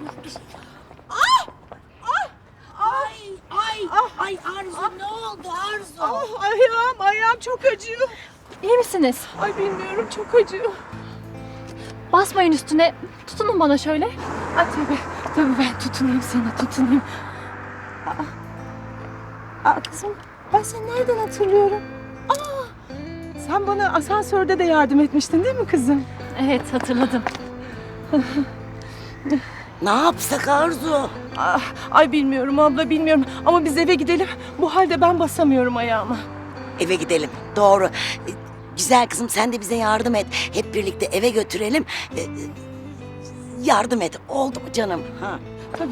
Ay Arzu, ne oldu Arzu? Ayağım çok acıyor. İyi misiniz? Ay bilmiyorum, çok acıyor. Basmayın üstüne. Tutunun bana şöyle. Ay tabii ben tutunayım sana, tutunayım. Kızım, ben seni nereden hatırlıyorum? Sen bana asansörde de yardım etmiştin değil mi kızım? Evet, hatırladım. Ne yapsak Arzu? Ay bilmiyorum abla, bilmiyorum. Ama biz eve gidelim. Bu halde ben basamıyorum ayağıma. Eve gidelim, doğru. Güzel kızım, sen de bize yardım et. Hep birlikte eve götürelim. Yardım et, oldu mu canım? Ha. Tabii.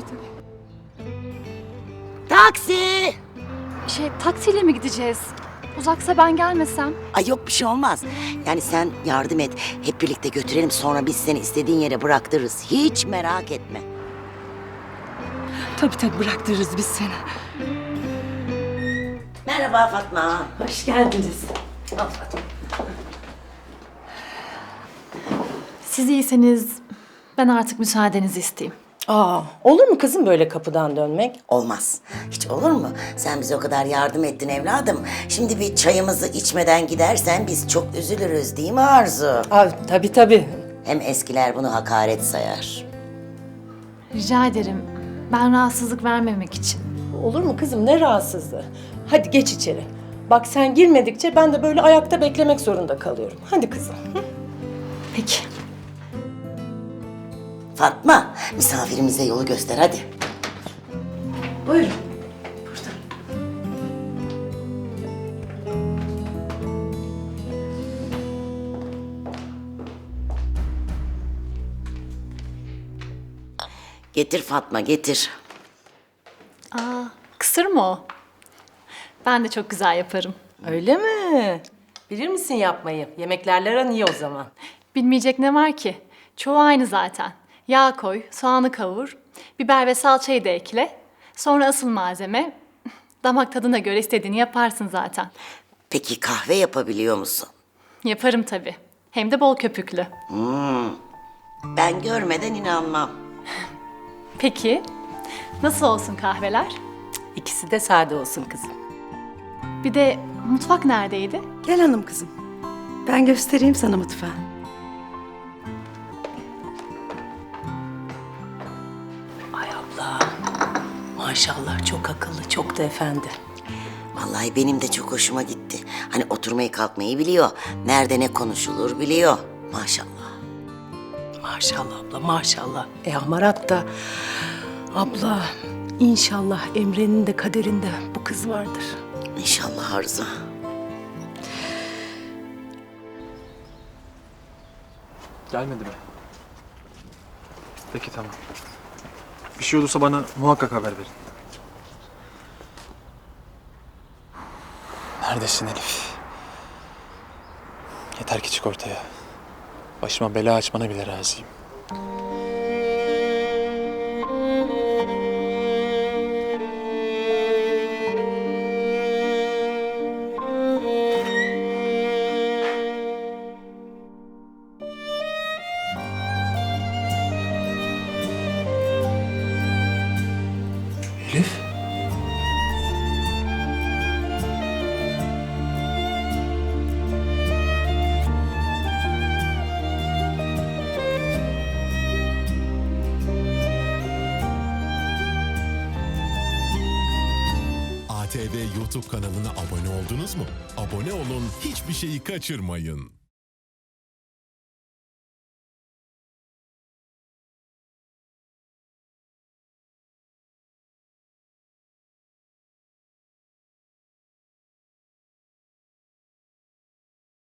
Taksi! Taksiyle mi gideceğiz? Uzaksa ben gelmesem. Ay yok, bir şey olmaz. Yani sen yardım et, hep birlikte götürelim. Sonra biz seni istediğin yere bıraktırırız. Hiç merak etme. Tabii bıraktırırız biz seni. Merhaba Fatma. Hoş geldiniz. Siz iyiyseniz ben artık müsaadenizi isteyeyim. Olur mu kızım böyle kapıdan dönmek? Olmaz. Hiç olur mu? Sen bize o kadar yardım ettin evladım. Şimdi bir çayımızı içmeden gidersen biz çok üzülürüz, değil mi Arzu? Tabii. Hem eskiler bunu hakaret sayar. Rica ederim. Ben rahatsızlık vermemek için. Olur mu kızım, ne rahatsızlığı? Hadi geç içeri. Bak sen girmedikçe ben de böyle ayakta beklemek zorunda kalıyorum. Hadi kızım. Peki. Fatma, misafirimize yolu göster hadi. Buyurun. Getir Fatma, getir. Kısır mı o? Ben de çok güzel yaparım. Öyle mi? Bilir misin yapmayı? Yemeklerle aran iyi o zaman. Bilmeyecek ne var ki? Çoğu aynı zaten. Yağ koy, soğanı kavur, biber ve salçayı da ekle. Sonra asıl malzeme. Damak tadına göre istediğini yaparsın zaten. Peki kahve yapabiliyor musun? Yaparım tabii. Hem de bol köpüklü. Ben görmeden inanmam. Peki, nasıl olsun kahveler? İkisi de sade olsun kızım. Bir de mutfak neredeydi? Gel hanım kızım. Ben göstereyim sana mutfağı. Ay abla. Maşallah çok akıllı, çok da efendi. Vallahi benim de çok hoşuma gitti. Hani oturmayı kalkmayı biliyor. Nerede ne konuşulur biliyor. Maşallah. Maşallah abla, maşallah. Amarat da abla inşallah Emre'nin de kaderinde bu kız vardır. İnşallah Arzu. Gelmedi mi? Peki tamam. Bir şey olursa bana muhakkak haber verin. Neredesin Elif? Yeter ki çık ortaya. Başıma bela açmana bile razıyım. Elif? ATV YouTube kanalına abone oldunuz mu? Abone olun, hiçbir şeyi kaçırmayın.